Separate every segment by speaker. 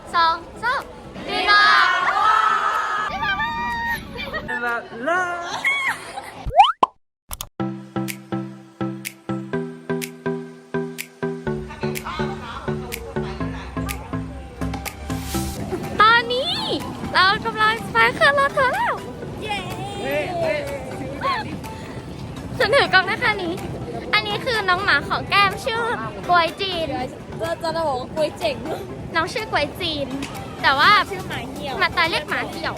Speaker 1: 2 3ดีนะตอนนี้เรากำลังไปขึ้นรถเธอแล้วฉันถือกล้องนะคะนี้อันนี้คือน้องหมาของแก้มชื่อกวยจีนจะบอกว่ากวยเจ๋งน้องชื่อกวยจีนแต่ว่าชื่อหมาเหี่ยวมาตายเรียกหมาเหี่ยว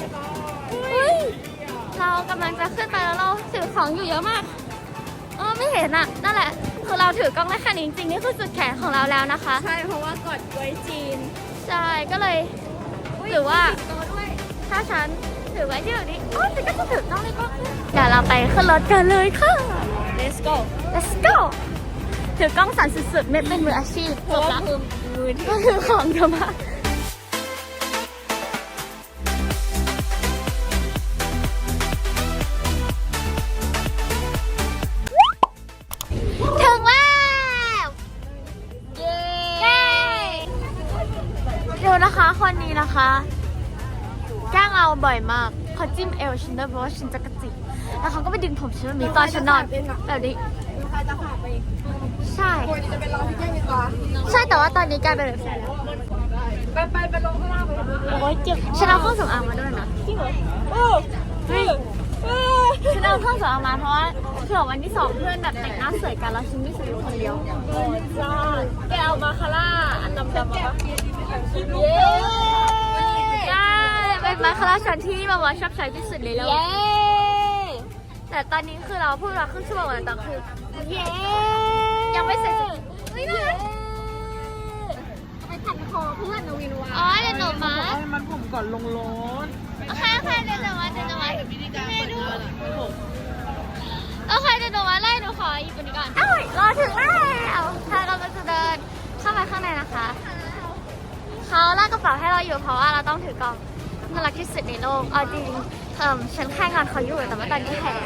Speaker 1: เรากำลังจะขึ้นไปแล้วเราถือของอยู่เยอะมากไม่เห็นอ่ะนั่นแหละคือเราถือกล้องได้แค่นี้จริงๆนี่คือสุดแขนของเราแล้วนะคะ
Speaker 2: ใช่เพราะว่ากอดกวยจีน
Speaker 1: ใช่ก็เลยหรือว่าถ้าฉันถือไว้ที่แบบนี้ฉันก็จะถือกล้องในกล้องเดี๋ยวเราไปขึ้นรถกันเลยค่ะ
Speaker 2: let's go
Speaker 1: ถือกล้องสั่นสุดๆไม่เป็นมืออาชีพ
Speaker 2: เพราะว่ามือที่
Speaker 1: ก็คือของเยอะมากถึงแล้วเย้เดี๋ยวนะคะคนนี้นะคะแกล้งเราบ่อยมากเขาจิ้มเอวฉันด้วยเพราะว่าฉันจะกระจิกแล้วเขาก็ไปดึงผมฉันแบบนี้ตอนฉันนอนแบบนี้
Speaker 2: ใครจะขาดไป
Speaker 1: ใช่
Speaker 2: จะเป็นเราที่แก้มีตา
Speaker 1: ใช่แต่ว่าตอนนี้กลายเป็นแบบแสนแล้ว
Speaker 2: ไปลงข้างล่างไปโอ้ยเจ็บ
Speaker 1: ฉันเอาเครื่องสำอางมาด้วยนะ
Speaker 2: จริงเหรอ
Speaker 1: ฉันเอาเครื่องสำอางมาเพราะว่าเผื่อวันที่2เพื่อนแบบแต่งหน้าสวยกันแล้วฉันไม่สวยอยู่คนเดียว
Speaker 2: แกเอามาคาร่าอันดำๆมา
Speaker 1: ได้เป็นมาคาราชันที่แบบว่าชอบใช้ที่สุดเลยแล้วแต่ตอนนี้คือเราพูดมาครึ่งชั่วโมงแล้วแต่คือยังไม่เสร็จไม่ได้
Speaker 2: ไปขัดคอเพื่อนนวินวา
Speaker 1: เดี๋ยวหนูมา
Speaker 2: มันผมก่อนลงรถ
Speaker 1: โอเคเดี๋ยวหนูมาไม่ดูโอเคเดี๋ยวหนูมาไล่หนูขอหยิบอันนี้ก่อนรอถึงแล้วถ้าเราจะเดินเข้าไปข้างในนะคะเขาลากกระเป๋าให้เราอยู่เพราะว่าเราต้องถือกล่องน่ารักที่สุดในโลกจริงฉันแค่งานเขาอยู่แต่ว่าตอนนี้แพ้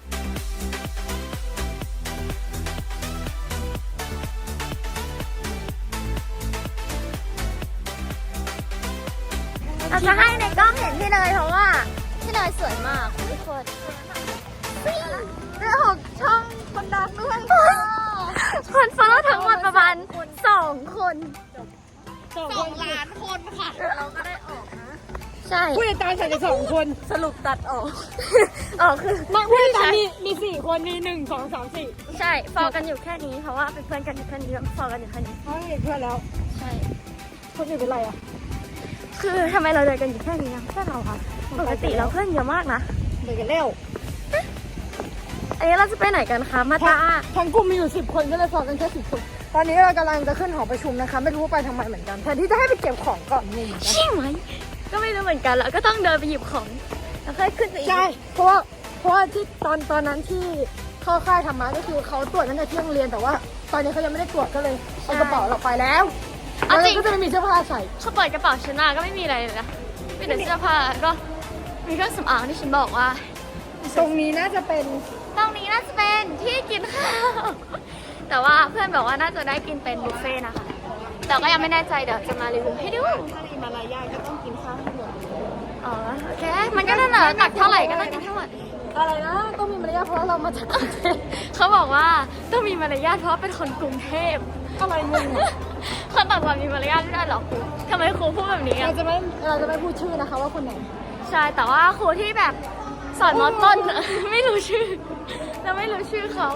Speaker 1: เราจะให้ในกล้องเห็นพี่เนยเพราะว่าพี่เนยสวยมากทุกคนเรื่องของช่องคนดังด้วยคนฟอลโล่ทั้งหมดประมาณ2 คน
Speaker 2: 2 ล้านคนค่ะเราก็ได้ออกนะ
Speaker 1: ใช่
Speaker 2: ผู้ติดตามฉันจะ2 คนสรุปตัดออก
Speaker 1: คือ
Speaker 2: ผู้ติดตามมี4 คนมี1 2 3 4
Speaker 1: ใช่ฟอลกันอยู่แค่นี้เพราะว่าเป็นเพื่อนกันอยู่แค่นี้ฟอลกันอยู่แค่นี้
Speaker 2: เพื่อนแล้ว
Speaker 1: ใช่
Speaker 2: คนอื่นเป็นไรอ่ะ
Speaker 1: คือทำไมเราเดินกันอยู่แค่นี้แค่เราค่ะปกติเราเพื่อนเยอะมากนะ
Speaker 2: เดินกันเร็ว
Speaker 1: อันนี้เราจะไปไหนกันคะมาตา
Speaker 2: ทั้งกลุ่มมีอยู่10 คนก็เลยฟอลกันแค่10 คนตอนนี้เรากำลังจะขึ้นหอประชุมนะคะไม่รู้ว่าไปทำไมเหมือนกันแทนที่จะให้ไปเก็บของก่อนงง
Speaker 1: ใช่ไหมก็ไม่รู้เหมือนกันแล้วก็ต้องเดินไปหยิบของแล้วค่อยขึ้นไปอีก
Speaker 2: ใช่เพราะว่าที่ตอนนั้นที่เข้าค่ายธรรมะก็คือเขาตรวจตั้งแต่ที่โรงเรียนแต่ว่าตอนนี้เขายังไม่ได้ตรวจก็เลยเอากระเป๋าเราไปแล้วแล้วก็จะไม่มีเสื้อผ้าใส่
Speaker 1: เขาเปิดกระเป๋าฉันมาก็ไม่มีอะไรเลยนะมีแต่เสื้อผ้าก็มีเครื่องสำอางที่ฉันบอกว่า
Speaker 2: ตรงนี้น่าจะเป็น
Speaker 1: ที่กินข้าวแต่ว่าเพื่อนบอกว่าน่าจะได้กินเป็นบุฟเฟ่ต์นะคะแต่ก็ยังไม่แน่ใจเดี๋ยวจะมารีวิวให้ดู
Speaker 2: ถ้ามีมารยาทก็ต้องกินข้าวให้หมด
Speaker 1: โอเคมันก็นั่นแหละตักเท่าไหร่ก็ต้องกินทั้งหมด
Speaker 2: อะไรนะต้องมีมารยาทเพราะเรามาจากกรุงเทพ
Speaker 1: เขาบอกว่าต้องมีมารยาทเพราะเป็นคนกรุงเทพ
Speaker 2: อะไรมึง
Speaker 1: คนต่างจังหวัดมีมารยาทไม่ได้หรอครูทำไมครูพูดแบบนี้
Speaker 2: เราจะไม่พูดชื่อนะคะว่าคนไหน
Speaker 1: ใช่แต่ว่าครูที่แบบสอนมอต้นไม่รู้ชื่อเราไม่รู้ชื่อเขา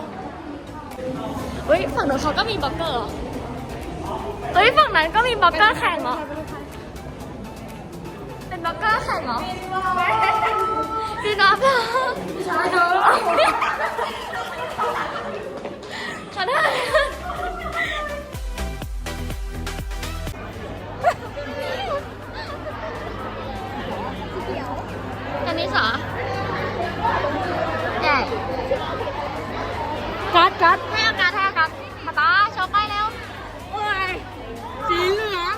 Speaker 1: ฝั่งนู้นเขาก็มีบล็อกเกอร์ฝั่งนั้นก็มีบล็อกเกอร์แข่งเหรอเป็นบล็อกเกอร์แข่งเหรอดีนะเพื่อน
Speaker 2: ใช่เนอะ
Speaker 1: ขอโทษอันนี้สอใหญ่
Speaker 2: กัด
Speaker 1: ให้อากาศมาตาโชว์ไปเร็ว
Speaker 2: โอ้ยสีเหลือง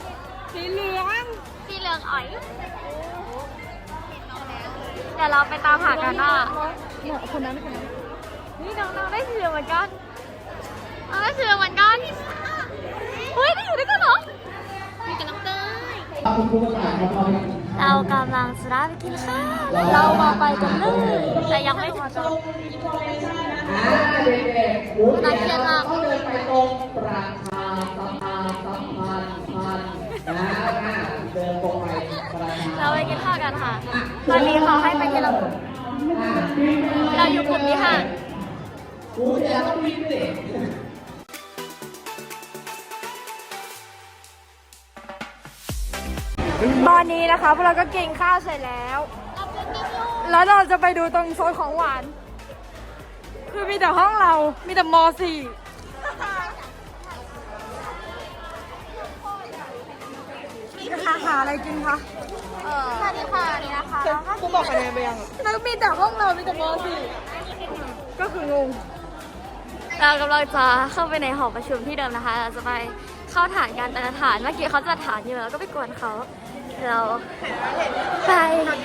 Speaker 1: อ๋อยเดี๋ยวเราไปตามหากันว่า
Speaker 2: คนนั้น
Speaker 1: นี่น้องได้สีเหลืองเหมือนกันได้สีเหลืองเหมือนกันได้อยู่ด้วยกันเหรอมีกับน้องเต้ยเรากำลังจะได้ไปกินข้าวเรามาไปกันเลยแต่ยังไม่ถึงจุดน่าเครียดมากเราไปกินข้าวกันค่ะตอนนี้เขาให้ไปที่เราอยู่กลุ่มที่ห้า
Speaker 2: ตอนนี้นะคะพวกเราก็กินข้าวเสร็จแล้ว แล้วเราจะไปดูตรงโซนของหวาน คือมีแต่ห้องเรา มีแต่ม .4 หาอะไรกินคะ
Speaker 1: สวัสดีค่ะนี่นะคะ
Speaker 2: กูบอกคะแนนไปยังแล้วมีแต่ห้องเรา มีแต่ม .4 ก็คืองง
Speaker 1: เรากำลังจะเข้าไปในหอประชุมที่เดิมนะคะเราจะไปเข้าฐานกันแต่ละฐานเมื่อกี้เขาจัดฐานอยู่แล้วก็ไปกวนเขาเราไป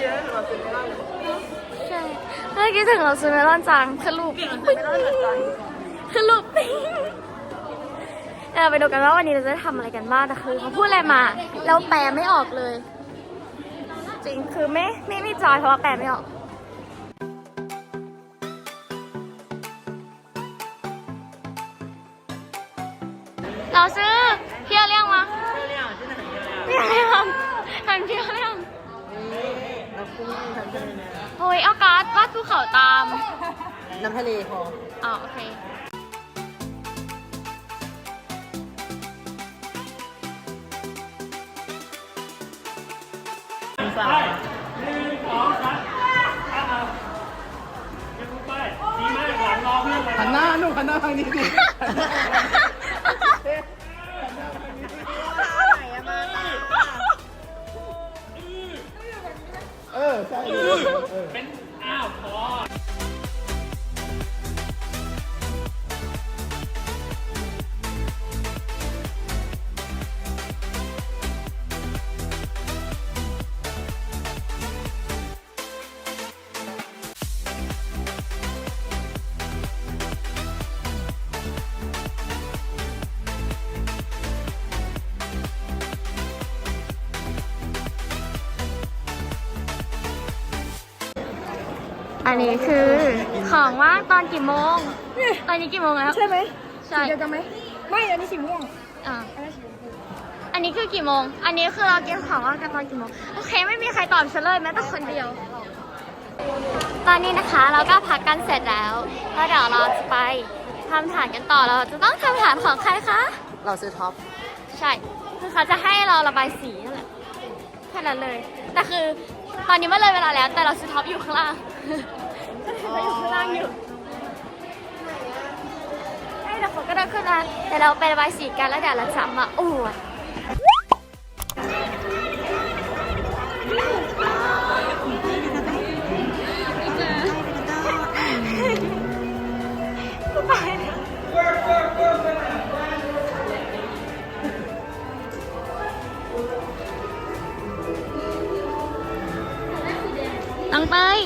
Speaker 1: ใช่เมื่อกี้ถึงเราซื้อเมลอนจังคือลูกคือลูกปิ้งเราไปดูกันว่าวันนี้เราจะได้ทำอะไรกันบ้างแต่คือเขาพูดอะไรมาเราแปลไม่ออกเลย จริงคือไม่จอยเพราะว่าแปลไม่ออกเราซื้อเที่ยวเรียงมาเที่ยวเรียงทำเที่ยวเรียงโอ้ยเอาการ์ดวาดภูเขาตาม
Speaker 2: น้ำทะเลพอ
Speaker 1: อ๋อโอเค
Speaker 3: หันหน้าหนูหันหน้าทางนี้ดิใช่เป็นอ้าวพอ
Speaker 1: อันนี้คือของว่างตอนกี่โมง ตอนนี้กี่โมงแล้ว
Speaker 2: ใช่ไหม
Speaker 1: ใช่
Speaker 2: เดียวกันไหม ไม่ อันนี้สีม่วง
Speaker 1: อ่าอันนี้คือกี่โมง อันนี้คือเราเก็บของว่างกันตอนกี่โมง โอเคไม่มีใครตอบฉันเลยแม้แต่คนเดียว ตอนนี้นะคะเราก็พักกันเสร็จแล้วแล้วเดี๋ยวเราจะไปทำฐานกันต่อ เราจะต้องทำฐานของใครคะ
Speaker 2: เราซื้อท็อป
Speaker 1: ใช่ คือเขาจะให้เราระบายสีนั่นแหละแค่นั้นเลย แต่คือตอนนี้มันเลยเวลาแล้ว แต่เราซื้อท็อปอยู่ข้างล่างเราอยู่ข้างล่างอยู่ใช่แต่ฝนก็เดินขึ้นมาแต่เราไประบายสีกันแล้วเดี๋ยวเราจะมาอวดน้องเต้ย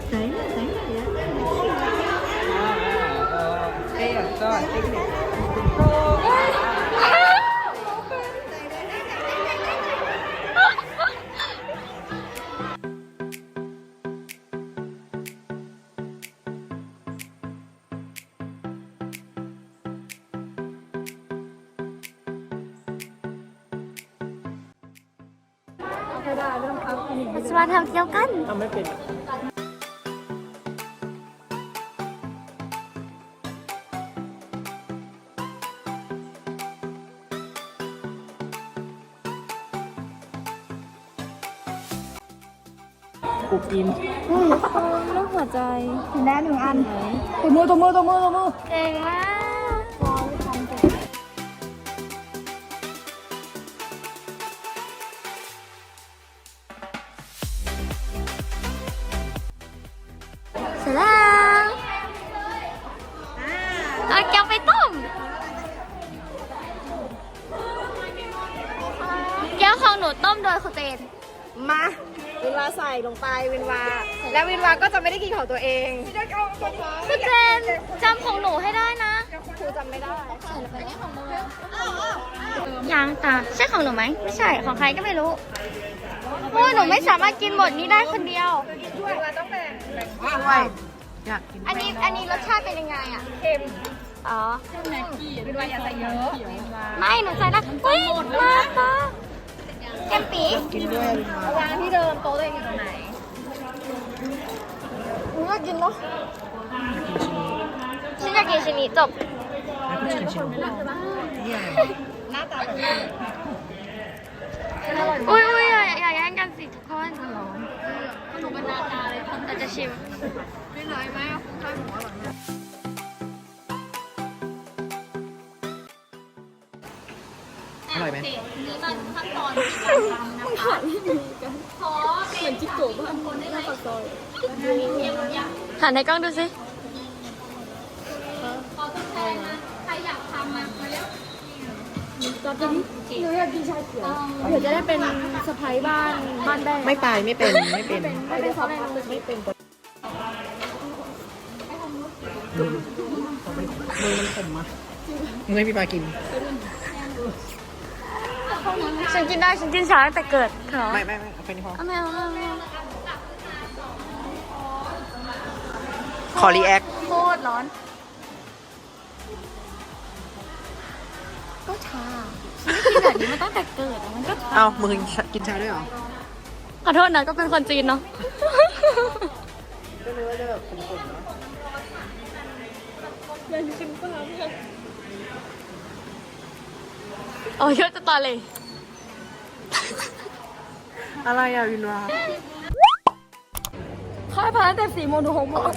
Speaker 1: เราจะมาทำเที่ยวกัน
Speaker 3: ทำไม่เป็นกูกิน
Speaker 1: รูปหัวใจ
Speaker 2: เห็นแล้ว1 อันตัวมือ
Speaker 1: เก่งมากเสร็จแล้วเอาแกวไปต้มแก้วของหนูต้มโดยคุณเจน
Speaker 2: มาวินวาใส่ลงไปวินวา แล้ววินวาก็จะไม่ได้กินของตัวเอง
Speaker 1: คือเจนจำของหนูให้ได้นะ
Speaker 2: ครูจำไม่ได้
Speaker 1: ยังตาใช่ของหนูไหมไม่ใช่ของใครก็ไม่รู้เพราะว่าหนูไม่สามารถกินหมดนี้ได้คนเดียว
Speaker 2: วินวาต้องแบ่ง
Speaker 4: ด้วยอยากกิน
Speaker 1: อันนี้รสชาติเป็นยังไงอ่ะ
Speaker 2: เค็ม
Speaker 1: อ๋อ
Speaker 2: วินวาอย่าใส่เยอะ
Speaker 1: ไม่หนูใส่ได้อุ้ยมาตาแกมปี
Speaker 4: กินด้วย
Speaker 2: วางที่เดิมโต๊ะตัวเองอยู่ตรงไหน
Speaker 1: น่ากินเนาะฉันอยากกินชิ้นนี้จบ
Speaker 4: แล้วก็ชิมนี่อะไร
Speaker 2: หน้าตา
Speaker 1: อุ้ยอย่าแย่งกันสิทุกคนหนูเป็นนาตาเลยแต่จะชิม
Speaker 2: ไม่น้อยไหมข้าวหมูอร่อย
Speaker 4: อร่อยไหม
Speaker 1: นี่มันขั้นตอนการทำนะคะขอเป็นจิ๊กโก้บ้านคนได้ไหมหันให้กล้องดูสิขอตัวแทนนะใครอยากทำมาเร็ว
Speaker 2: หนูอยากกินชาเขียวเดี๋ยวจะได้เป็นสะพ้ายบ้านแม่
Speaker 4: ไม่ไปไม่เป็นไม่เป็น
Speaker 2: ไม่เป็นซอสอะไรไม่เป็น
Speaker 4: มือมันขมอ่ะมึงให้พี่ปากิน
Speaker 1: ฉันกินได้ฉันกินช้าตั้งแต่เกิดเหรอ
Speaker 4: ไม่เอาไปนี่พอ
Speaker 1: เอาไม่เอา
Speaker 4: ขอรีแอค
Speaker 1: โคตรร้อนก็ชาฉันไม่กินแบบนี้มาตั้งแต่เกิดอะมันก็ชา
Speaker 4: เอามึงกินชาด้วยเหรอ
Speaker 1: ขอโทษนะก็เป็นคนจีนเนาะ
Speaker 4: ก็นึกว่าจะแบบขมๆนะ
Speaker 1: โอ้ยเยอะจะตาเลย
Speaker 4: อะไรอ่ะวินวา
Speaker 2: ค่ายพาตั้งแต่4 โมงถึง6 โมง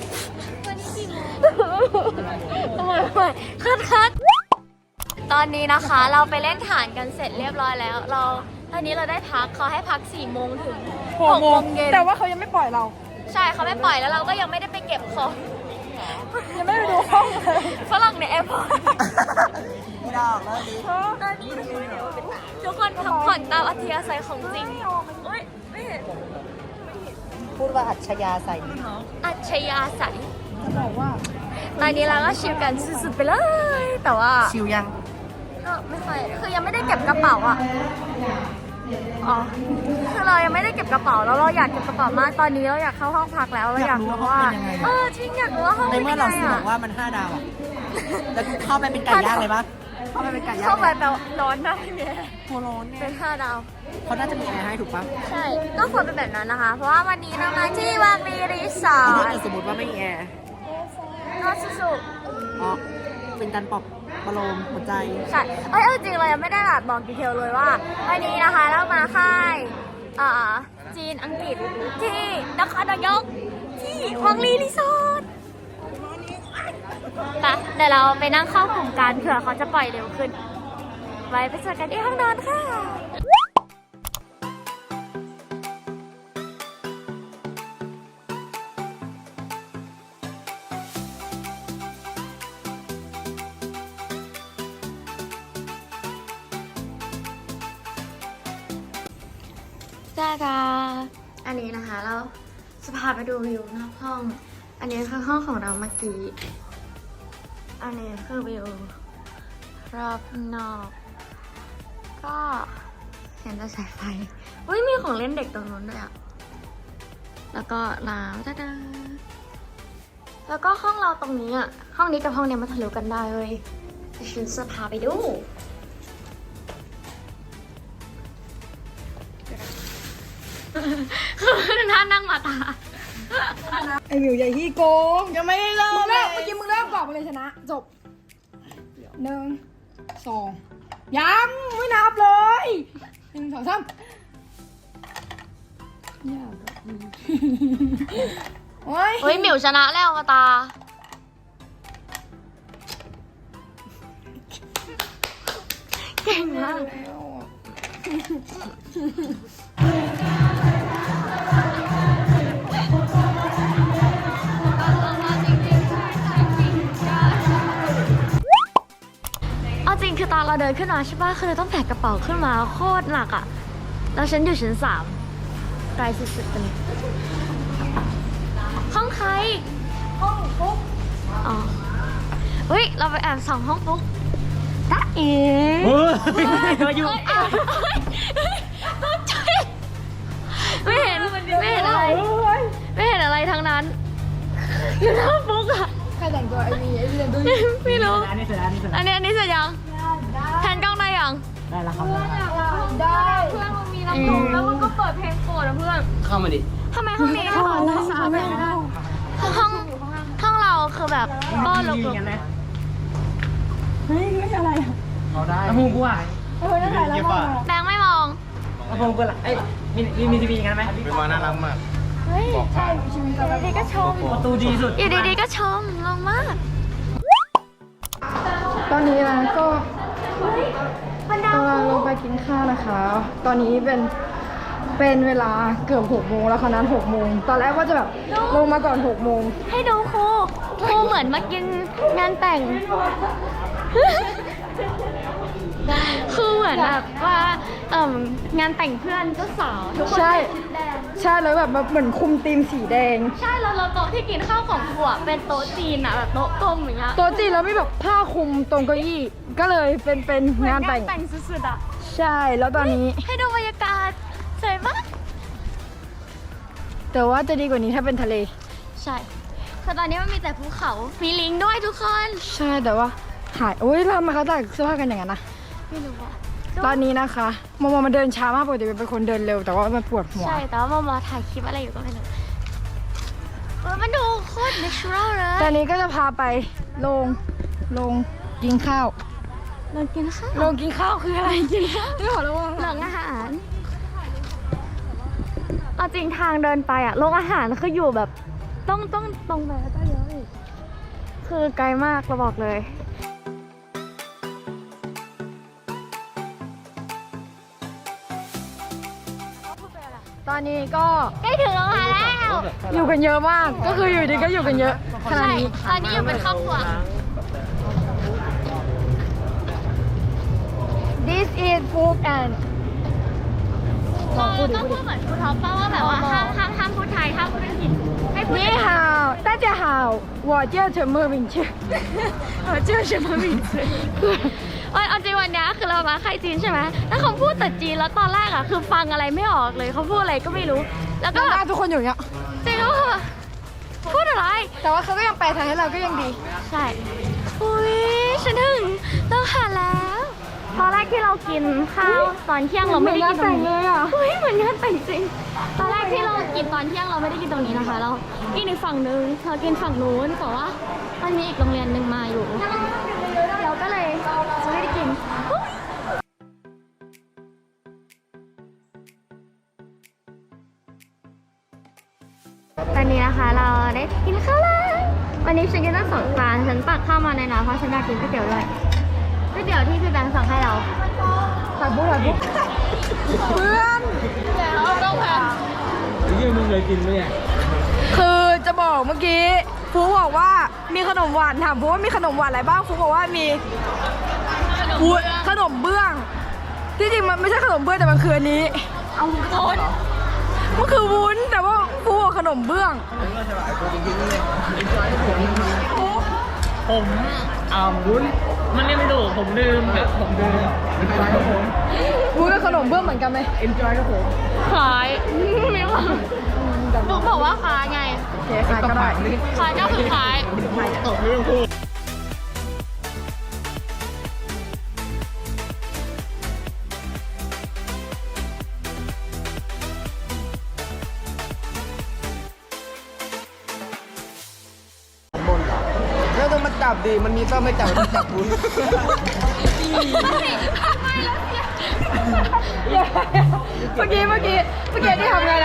Speaker 1: ทำไมคัดตอนนี้นะคะเราไปเล่นฐานกันเสร็จเรียบร้อยแล้วตอนนี้เราได้พักเขาให้พัก4 โมงถึง6 โมงเย็น
Speaker 2: แต่ว่าเขายังไม่ปล่อยเรา
Speaker 1: ใช่เขาไม่ปล่อยแล้วเราก็ยังไม่ได้ไปเก็บของ
Speaker 2: ยังไม่ไปดูห้องเลย
Speaker 1: ฝรั่งในแอร์พอร์ต
Speaker 4: ไม่ได้แล้วดิ
Speaker 1: ทุกคนพักผ่อนตามอัธยาศัยของจริงเฮ้ยไม่เห็น
Speaker 4: พูดว่าอัจฉริยะใส่
Speaker 1: อัจฉริยะใส
Speaker 2: จะบอกว่า
Speaker 1: ตอนนี้เราก็ชิลกันสุดๆไปเลย แต่ว่า
Speaker 4: ชิวยัง
Speaker 1: ก็ไม่ค่อยคือยังไม่ได้เก็บกระเป๋าอ่ะอ๋อคือเรายังไม่ได้เก็บกระเป๋าแล้วเราอยากเก็บกระเป๋ามากตอนนี้เราอยากเข้าห้องพักแล้วเราอยากรู้ว่าจริงอยากรู้ว่าห้อง
Speaker 4: ใน
Speaker 1: เป็น
Speaker 4: เมื่อ
Speaker 1: ยัง
Speaker 4: เรา
Speaker 1: ไง
Speaker 4: สิบอ
Speaker 1: อ่ะ
Speaker 4: กว่ามัน5 ดาวอ่ะแล้วกูเข้าไปเป็นไก่ย่างเลยปะเข้าไปเป็นไก่ย่าง
Speaker 1: เข้าไป
Speaker 4: เลย
Speaker 1: แปลว่าร้อนนะพี่เมย์
Speaker 4: ตัวร้อนเนี่
Speaker 1: เป็
Speaker 4: ย
Speaker 1: น5 ดาว
Speaker 4: เขาน่าจะมีแอร์ให้ถูกปะ
Speaker 1: ใช่ ก็ควรเป็นแบบนั้นนะคะ เพราะว่าวันนี้เรามาที่วาบีรีสอ
Speaker 4: ถ้า
Speaker 1: ร์
Speaker 4: เกิ
Speaker 1: ท
Speaker 4: ดสมมติว่าไม่มีแอร์
Speaker 1: นอสุสุ
Speaker 4: อ๋อเป็นการปลอบประโลมหัวใจ
Speaker 1: ใช่จริงเรายังไม่ได้แบบบอกดีเทลเลยว่าวันนี้นะคะเรามาค่ายจีนอังกฤษที่นครนายกที่วังลีรีสอร์ทไปเดี๋ยวเราไปนั่งเข้ากลุ่มกันเผื่อเขาจะปล่อยเร็วขึ้น ไว้ไปเจอกันที่ห้องนอนค่ะจ้าดาอันนี้นะคะเราจะพาไปดูวิวนอกห้อง อันนี้คือห้องของเราเมื่อกี้ อันนี้คือวิวรอบนอก ก็เห็นแต่สายไฟอุ้ยมีของเล่นเด็กตรงนู้นด้วยอ่ะ แล้วก็น้ำจ้าดาแล้วก็ห้องเราตรงนี้อ่ะ ห้องนี้กับห้องนี้มาทะลุกันได้เลยฉันจะพาไปดูคือท่านั่งมาตา
Speaker 2: ไอหมิวใหญ่ที่โกงยังไม่ได้เริ่มเลยเมื่อกี้มึงเริ่มก่อนมาเลยชนะ จบ 1 2ยังไม่นับเลย1 2 3ยากอะโอ้ย
Speaker 1: เฮ้ยหมิวชนะแล้วมาตา เก่งมาก เอาจริงคือตอนเราเดินขึ้นมาใช่ป่ะคือเราต้องแบกกระเป๋าขึ้นมาโคตรหนักอ่ะ แล้วฉันอยู่ชั้น 3 ไกลสุดๆตรงนี้ห้องใครห้องปุ๊กอ๋อเฮ้ยเราไปแอบส่องห้องปุ๊กตาเอ๋
Speaker 3: เฮ้ยก็อยู่
Speaker 1: ตกใจไม่เห็นอะไรไม่เห็นอะไรทั้งนั้นอยู่หน้าปุ๊กอะ
Speaker 2: ใครแต่งตัวไอ้มีแต่งตัว
Speaker 1: ไม่รู้
Speaker 3: อันนี้เสร็จแล้ว
Speaker 1: อันนี้เสร็จยังแทนกล้องได้ยัง
Speaker 3: ได้แล้วครับ
Speaker 2: ได้
Speaker 1: เพื่อนมันมีลำโพงแล้วมันก็เปิดเพลงโปรดอะเพื่อน
Speaker 3: เข้ามาดิ
Speaker 1: ทำไมห้องนี้ห้องเราคือแบบก็ลุก
Speaker 2: เฮ้ยไม่อะไรอ่ะ
Speaker 3: เอาได้ลำโพงกูอ่ะ
Speaker 2: นั่นแหละแล้วมา
Speaker 1: แบงค์ไม่มอง
Speaker 3: ลำโพงกูล่ะเอ้ยมีทีวีกันไหม
Speaker 4: เป็นมาน่ารักมาก
Speaker 1: เฮ้ยใช่อยู่ดีๆก็ชม
Speaker 3: ประตูดีสุด
Speaker 1: อยู่ดีๆก็ชมลงมาก
Speaker 2: ตอนนี้นะก็กำลังลงไปกินข้าวนะคะ ตอนนี้เป็นเวลาเกือบ6 โมงแล้วค่ะนั้น6 โมงตอนแรกว่าจะแบบลงมาก่อน6 โมง
Speaker 1: ให้ดูครูเหมือนมากินงานแต่ง คือเหมือนแบบว่างานแต่งเพื่อนเจ้าสาวทุกคน
Speaker 2: ใช่
Speaker 1: ใส่ชุดแดง
Speaker 2: ใช่แล้วแบบเหมือนคุมธีมสีแดง
Speaker 1: ใช่แล้วเราโต๊ะที่กินข้าวของครูอะเป็นโต๊ะจีนอะแบบโต๊ะกลมอย่างเงี้ย
Speaker 2: โต๊ะจีนแล้วมีแบบผ้าคลุมตรงเก้าอี้ก็เลยเป็นงานแต่ง
Speaker 1: แต่งสุดๆอะ
Speaker 2: ใช่แล้วตอนนี้
Speaker 1: ให้ดูบรรยากาศสวยมาก
Speaker 2: แต่ว่าจะดีกว่านี้ถ้าเป็นทะเล
Speaker 1: ใช่คือตอนนี้มันมีแต่ภูเขา มีลิงด้วยทุกคน
Speaker 2: ใช่แต่ว่าหายโอ้ยเรามาเขาแต่งเสื้อผ้ากันอย่างนั้นนะ
Speaker 1: ไม่รู้ว่า
Speaker 2: ตอนนี้นะคะโมโมมันเดินช้ามากปกติเป็นคนเดินเร็วแต่ว่ามันปวดหัว
Speaker 1: ใช่ แต่ว่ามาถ่ายคลิปอะไรอยู่ก็ไม่รู้มันดูโคตร natural เลย
Speaker 2: ตอนนี้ก็จะพาไปลงกินข้าว
Speaker 1: เรากินข้าว
Speaker 2: ลงกินข้าวคืออะไรกินข้าวไม่ขอระวัง
Speaker 1: หลังอาหารเอาจริงทางเดินไปอะโรงอาหารคืออยู่แบบต้องตรงไปแล้วก็เลี้ยวอีกคือไกลมากเราบอกเลย
Speaker 2: ตอนนี้ก็
Speaker 1: ใกล้ถึงโรงอาหารแล้ว
Speaker 2: อยู่กันเยอะมาก ก็คืออยู่ดีก็อยู่กันเยอะขนาด
Speaker 1: ใช่
Speaker 2: นี้
Speaker 1: ตอนนี้อยู่เป็นครอบครัว
Speaker 2: This is food and
Speaker 1: เราต้องพูดเหมือนครูท็อปป่ะว่าแบบว่าห้ามพูดไทยห้ามพูดอังกฤษให้พูด
Speaker 2: 你好大家好我叫陈默敏ชื่อ我叫什么名字
Speaker 1: เอาจริงวันนี้คือเรามาค่ายจีนใช่ไหมแล้วเขาพูดแต่จีนแล้วตอนแรกอะคือฟังอะไรไม่ออกเลยเขาพูดอะไรก็ไม่รู้ แล้วก็
Speaker 2: หน้าทุกคนอยู่อย่างเงี้ย
Speaker 1: จริงแล้วอะพูดอะไร
Speaker 2: แต่ว่าเขาก็ยังแปลไทยให้เราก็ยังดี
Speaker 1: ใช่อุ้ยฉันถึงต้องหาแล้ว ตอนแรกที่เรากินข้าวตอนเที่ยงเราไม่ได้กินตรงนี้
Speaker 2: เลยอ่ะ
Speaker 1: เฮ้ยเหมือนงานแต่งจริง ตอนแรกที่เรากินตอนเที่ยงเราไม่ได้กินตรงนี้นะคะ เรากินอีกฝั่งนึงเรากินฝั่งนู้นแต่ว่ามันมีอีกโรงเรียนหนึ่งมาอยู่ เราก็เลยจะไม่ได้กิน ตอนนี้นะคะเราได้กินข้าวแล้ววันนี้ฉันกินตั้ง2 จานฉันตักข้าวมาในน้ำเพราะฉันอยากกินก๋วยเตี๋ยวด้วยก๋วยเตี๋ยวที่พี่แบงค์สั่งให้เรา
Speaker 2: ถ่ายบุ๊กเพื่อน
Speaker 3: ยี่มึงเคยกินไหมเนี่ย
Speaker 2: คือจะบอกเมื่อกี้ฟูบอกว่ามีขนมหวานถามฟูว่ามีขนมหวานอะไรบ้างฟูบอกว่ามีขนมเบื้องที่จริงมันไม่ใช่ขนมเบื้องแต่มันคืออันนี้เอาวุ้นมันคือวุ้นแต่ว่าฟูบอกขนมเบื้อง
Speaker 3: ผมวุ้นมันเรียกไม่ถูกผมลืมแบบผมลืมครับผม
Speaker 2: วุ้นกับขนมเบื้องเหมือนกันไหม
Speaker 3: enjoy ครับผม
Speaker 1: ขายไม่ว่าบุ๊กบอกว่าขายไง
Speaker 2: โอเคขายก็ได้
Speaker 1: ขายก็คือขาย
Speaker 3: ตกเรื่องพูด
Speaker 4: แล้วต้องมาจับดิ มันมีต้องไม่จับต้องจับคุณ
Speaker 2: เมื่อกี้ที่ทำไงนะ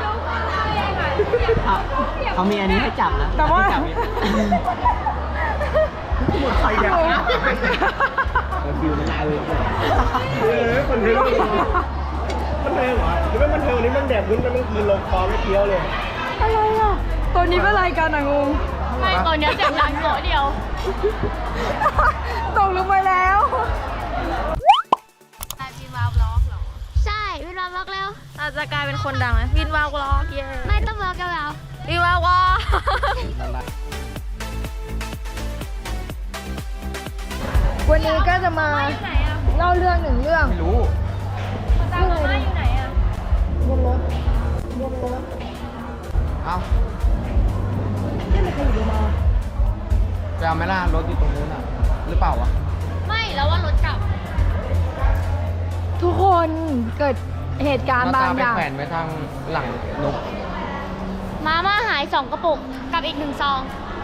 Speaker 3: เขามีอันนี้ให้จับนะ
Speaker 2: แต่ว่า
Speaker 3: หมดไฟแล้วนะฟิวมันลายเลยมันเทิงมันเทิงเหรอหรือว่ามันเทิงนี้มันแดดวุ้นมันคืนลงคอไม่เคี้ยวเลย
Speaker 2: อะไรอ่ะตัวนี้เป็นอะไรกันอ่ะงง
Speaker 1: ไม่ตัวเนี้ยเสียงดังโกเดียว
Speaker 2: ตกลงไปแล้ว
Speaker 1: ใช่เวลาเราบล็อกแล้ว
Speaker 2: อาจจะกลายเป็นคนดังไหมวินวาวกรอกเย่
Speaker 1: ไม่ต้องบล็อกกันแล้ว
Speaker 2: วินวาวกรอกวันนี้ก็จะมาเล่าเรื่องหนึ่งเรื่อง
Speaker 3: ไม่รู้
Speaker 2: เรื่องอะไรอยู่ไหนอะบนรถ
Speaker 3: เอ้า
Speaker 2: ไม่มีใครอยู่บนรถ
Speaker 3: ไปเอาไหม่ล่ารถอยู่ตรงนู้นอ่ะ หรือเปล่าวะ
Speaker 1: ไม่แล้วว่ารถกลับ
Speaker 2: ทุกคนเกิดเหตุการณ์
Speaker 3: หน้า
Speaker 2: บาง
Speaker 3: ตาไป
Speaker 2: อย่าง
Speaker 3: แขวนไว้ทางหลังนก
Speaker 1: มาม่าหาย2 กระปุกกับอีก1 ซอง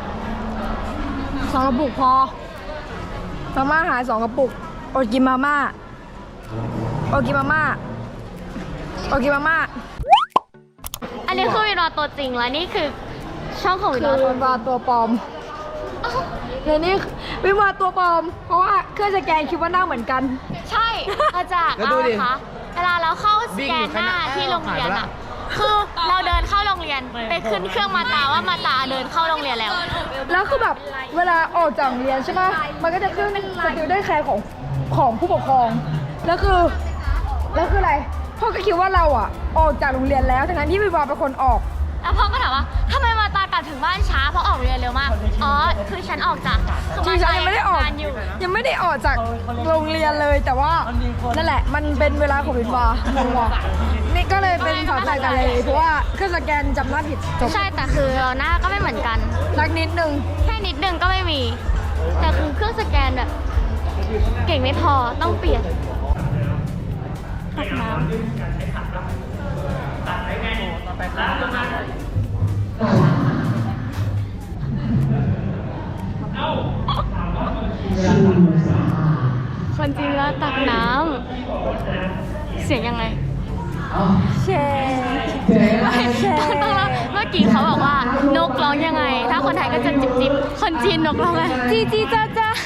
Speaker 2: 2 กระปุกพอมาม่าหาย2 กระปุกอดกินมาม่าอดกินมาม่าอดกินมาม่า
Speaker 1: อันนี้คือวินวาตัวจริงแล้วนี่คือช่องของวิน
Speaker 2: คือ
Speaker 1: วาตัว
Speaker 2: วินวาตัวปลอมในนี้วินวาตัวปลอม เพราะว่าเครื่องสแกนคิดว่าหน้าเหมือนกัน
Speaker 1: ใช่มาจาก
Speaker 3: แล้วดูดิ
Speaker 1: คะเวลาเราเข้าสแกนหน้าที่โรงเรียนอะคือเราเดินเข้าโรงเรียนไปขึ้นเครื่องมาตาว่ามาตาเดินเข้าโรงเรียนแล้ว
Speaker 2: แล้วคือแบบเวลาออกจากโรงเรียนใช่ไหมมันก็จะขึ้นสติลได้แคร์ของผู้ปกครอง แล้วคืออะไรพ่อก็คิดว่าเราอ่ะออกจากโรงเรียนแล้วทั้งที่วินวาเป็นคนออก
Speaker 1: แล้วพ่อก็ถามว่าทำไมมาตากลับถึงบ้านช้าเพราะออกเรียนเร็วมาก อ๋อ คือฉันออกจากคือ
Speaker 2: จริงๆยังไม่ได้ออก
Speaker 1: งานอยู่
Speaker 2: ยังไม่ได้ออกจากโรงเรียนเลยแต่ว่านั่นแหละมันเป็นเวลาของวินวางงว่ะนี่ก็เลยเป็นสาวใจกันเลยเพราะว่าเครื่องสแกนจำหน้าผิดจบ
Speaker 1: ใช่แต่คือเราหน้าก็ไม่เหมือนกัน
Speaker 2: สักนิดนึง
Speaker 1: แค่นิดนึงก็ไม่มี แต่คือเครื่องสแกนแบบ เก่งไม่พอต้องเปลี่ยนตักน้ำคนจริงแล้วตักน้ำเสียงยังไง
Speaker 2: แชร์
Speaker 1: ต้องเมื่อกี้เขาบอกว่านกร้องยังไง ถ้าคนไทยก็จะจิบจิบคนจีนนกร้องไงจีจีจ้าจ้า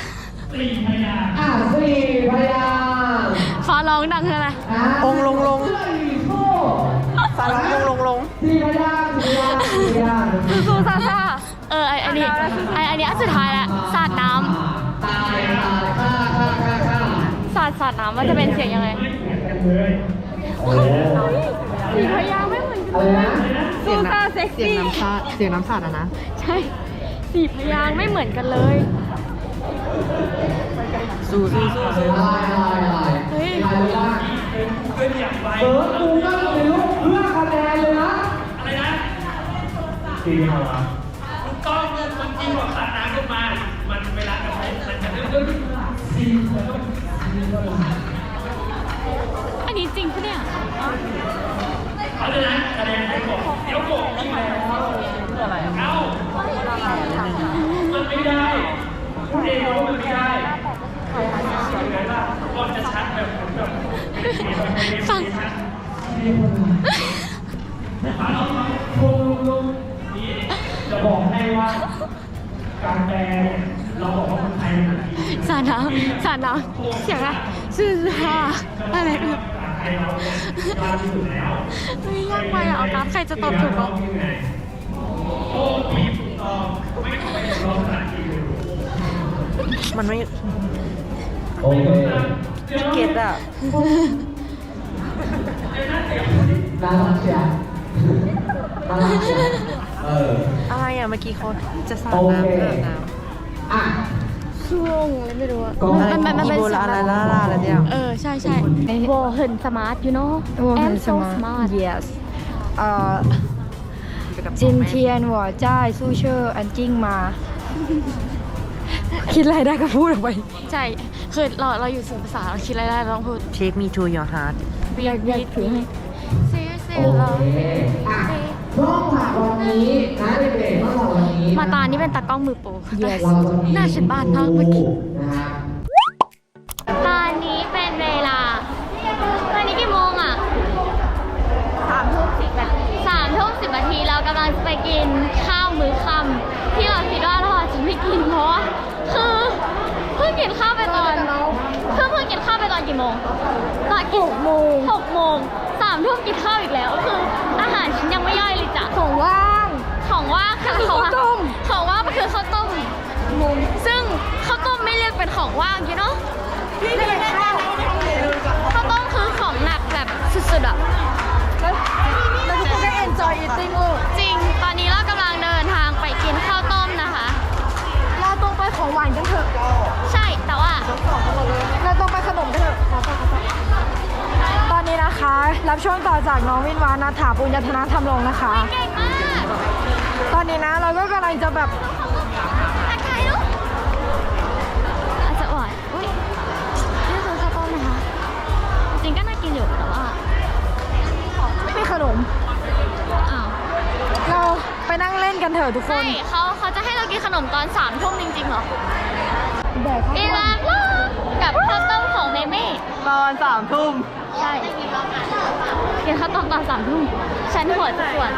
Speaker 1: ฟ้าร้องดังคืออะไร
Speaker 4: องลงลงสารลงลง
Speaker 1: ซูซาซาอันนี้อันสุดท้ายแล้วสาดน้ำสาดน้ำมันจะเป็นเสียงยังไงสีพยางค์ไม่เหมือนกันเลย
Speaker 4: เสียงน้ำเสียงน้ำชาเสียงน้ำสาดอะนะ
Speaker 1: ใช่สีพยางค์ไม่เหมือนกันเลย
Speaker 4: สู้สู้สู้สู้
Speaker 1: เฮ้ย อันนี้จริงปะเนี่ยฟัง
Speaker 5: จะบอกให้ว่าการแปลเราบอกว่าคนไทยมันทันที
Speaker 1: สาดน้ำเสียงอะไรซื่อฮาอะไรเนี่ยไม่ยากไปอ่ะเอากราฟใครจะตอบถูกอ่ะ
Speaker 4: มันไม่
Speaker 3: โอเค
Speaker 4: เก็ตอะ
Speaker 3: น่ารักเชียวน่ารักเชียว
Speaker 4: อะไรอะเมื่อกี้เขาจะสาด
Speaker 3: โอ
Speaker 4: น้ำ
Speaker 3: เค
Speaker 4: สาดน้
Speaker 3: อ่ะ
Speaker 1: ช่วงอะไรไม่รู้อ่ะ
Speaker 3: ก็
Speaker 4: ำอีโบลาอะไรล่าอะไรเนี่ย
Speaker 1: ใช่โบเหินสมาร์ท you know I'm so smart
Speaker 2: yes จินเทียนหัวจ้ายสู้เชอร์อันจิ้งมา คิดอะไรได้ก็พูดออกไป
Speaker 1: ใช่ คือเราอยู่สื่อภาษาเราคิดอะไรได้เราต้องพูด
Speaker 4: Take me to your heart
Speaker 2: อยากถือให้
Speaker 1: seriously
Speaker 3: โอ
Speaker 1: love
Speaker 3: เคอ่ะช่องผักวันนี้นะเด็กๆช่องผักวันนี้
Speaker 1: มาตานี่เป็นตากล้องมือโปร
Speaker 2: Yes
Speaker 3: เราจะมี
Speaker 1: หน้าฉันบ้านมากเมื่อกี้
Speaker 3: นะครับ
Speaker 1: ตอนนี้เป็นเวลา ตอนนี้กี่โมงอ่ะ3 ทุ่ม 10 นาทีเรากำลังจะไปกินข้าวมื้อค่ำที่เราคิดว่าเราอาจจะไม่กินเพราะว่าคือเพิ่งกินข้าวไปตอนเพิ่งกินข้าวไปตอนกี่โมงตอน6 โมง3 ทุ่มกินข้าวอีกแล้วคืออาหารฉันยังไม่ย่อยเลยจ้ะ
Speaker 2: ของว่าง
Speaker 1: ของว่างคือของ
Speaker 2: ข้าวต้ม
Speaker 1: ของว่างมันคือข้าวต้มซึ่งข้าวต้มไม่เรียกเป็นของว่างyou know ข้าวต้มคือของหนักแบบสุดๆอ่ะ
Speaker 2: อีติ้งลูก
Speaker 1: จริง ตอนนี้เรากำลังเดินทางไปกินข้าวต้มนะคะ
Speaker 2: เราต้องไปของหวานกันเถอะ
Speaker 1: ใช่ แต่ว่า
Speaker 2: เราต้องไปขนมกันเถอะตอนนี้นะคะ รับช่วงต่อจากน้องวินวานาถาปุญญธนาธรรมรงค์นะคะ
Speaker 1: เก่งมาก
Speaker 2: ตอนนี้นะเราก็กำลังจะแบบ
Speaker 1: ทักทายลูกอาจจะอ่อนอุ้ยนี่คือข้าวต้มนะคะ จริงก็น่ากินอยู่ แต่ว่า
Speaker 2: ไม่มีขนม
Speaker 1: อ้าว
Speaker 2: เราไปนั่งเล่นกันเถอะทุกค
Speaker 1: ใช่
Speaker 2: น
Speaker 1: เขาจะให้เรากินขนมตอน3 ทุ่มจริงๆเหรอ
Speaker 2: แดกข้าว
Speaker 1: อี
Speaker 2: ต้ม
Speaker 1: ลาบลูกกับข้าวต้มของเมเม่
Speaker 4: ตอน3 ทุ่ม
Speaker 1: ใช่กินข้าวต้มตอน3 ทุ่มฉันหัวจะปวด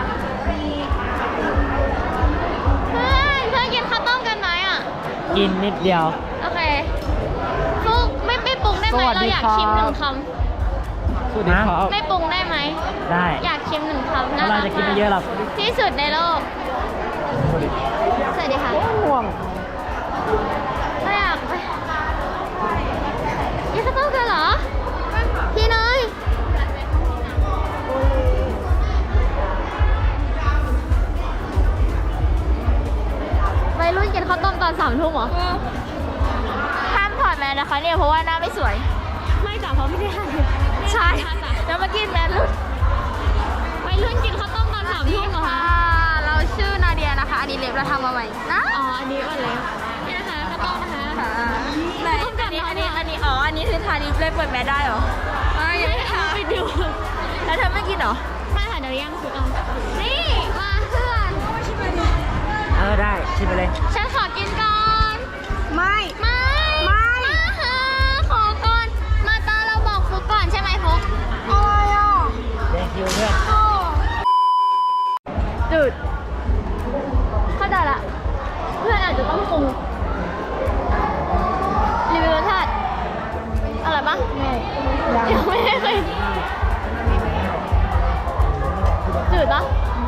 Speaker 1: เพื่อนกินข้าวต้มกันไหมอ่ะ
Speaker 4: กินนิดเดียว
Speaker 1: โอเคฟุกไม่ปรุงได้ไหม
Speaker 4: สวัส
Speaker 1: เรา
Speaker 4: ดี
Speaker 1: อยาก
Speaker 4: ครับ
Speaker 1: ชิม1 ค
Speaker 4: สวัสดีครับ
Speaker 1: ำไม่ปรุงได้ไหม
Speaker 4: ได้
Speaker 1: อยากชิม1 คำ
Speaker 4: เพราะเราจะกินไม่เยอะหรอก
Speaker 1: ที่สุดในโลก สวัสดีค่ะ
Speaker 2: ห่วง
Speaker 1: ไม่อยากไปกินข้าวต้มกันเหรอ พี่เนยวัยรุ่นกินข้าวต้มตอน3 ทุ่มเหรอ ห้ามถอดแมสนะคะเนี่ยเพราะว่าหน้าไม่สวย ไม่จ้ะเพราะไม่ได้ห้ามใช่แล้วมากินแมสรุ่นวัยรุ่นกินข้าวต้มตอน3 ทุ่มเหรอคะเราชื่อนาเดียนะคะ อันนี้เล็บเราทำมาใหม่นะอ๋ออันนี้ว่าเล็บนี่นะคะข้าวต้มนะคะไหนอันนี้อ๋ออันนี้คือทานิเล็บเปิดแมสได้เหรอยังไม่ทำไปดูแล้วเธอไม่กินเหรอไม่ค่ะเดี๋ยวย่างสุกเอานี่มาเพื่อน
Speaker 4: ได้ ชิมไปเลย
Speaker 1: ฉันขอกินก่อน
Speaker 2: ไม่
Speaker 1: ไม่
Speaker 2: ไม่
Speaker 1: มาหาขอก่อน มาตาเราบอกฟุกก่อนใช่ไหมฟุก
Speaker 2: อะไรอ่ะ
Speaker 4: แดงคิวเพื่อน
Speaker 1: จืดเข้าใจละ เพื่อนอาจจะต้องปรุงรีวิวรสชาติอร่อยปะ
Speaker 2: ไม่
Speaker 1: ยังไม่ได้เคยจืดปะ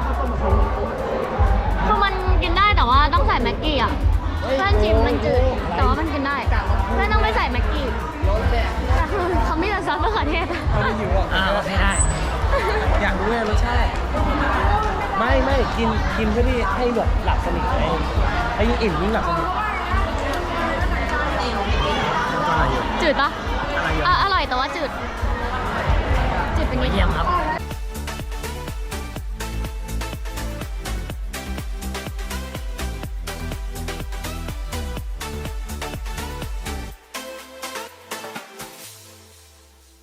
Speaker 1: คือมันกินได้แต่ว่าต้องใส่แม็กกี้อ่ะเพื่อนจิมมันจืดแต่ว่ามันกินได้เพื่อนต้องไม่ใส่แม็กกี้แต่คือเขาไม่แต่ซอสมะเขือเทศ
Speaker 4: โอเคได้
Speaker 3: อยากรู้เลยรสชาติไม่กินเพื่อที่ให้แบบหลับสนิทไงให้ยิ่งอิ่มยิ่งหลับสนิท
Speaker 1: จืดปะอร่อยแต่ว่าจืด จืดเป็นนิด
Speaker 4: เยี่ยมครับ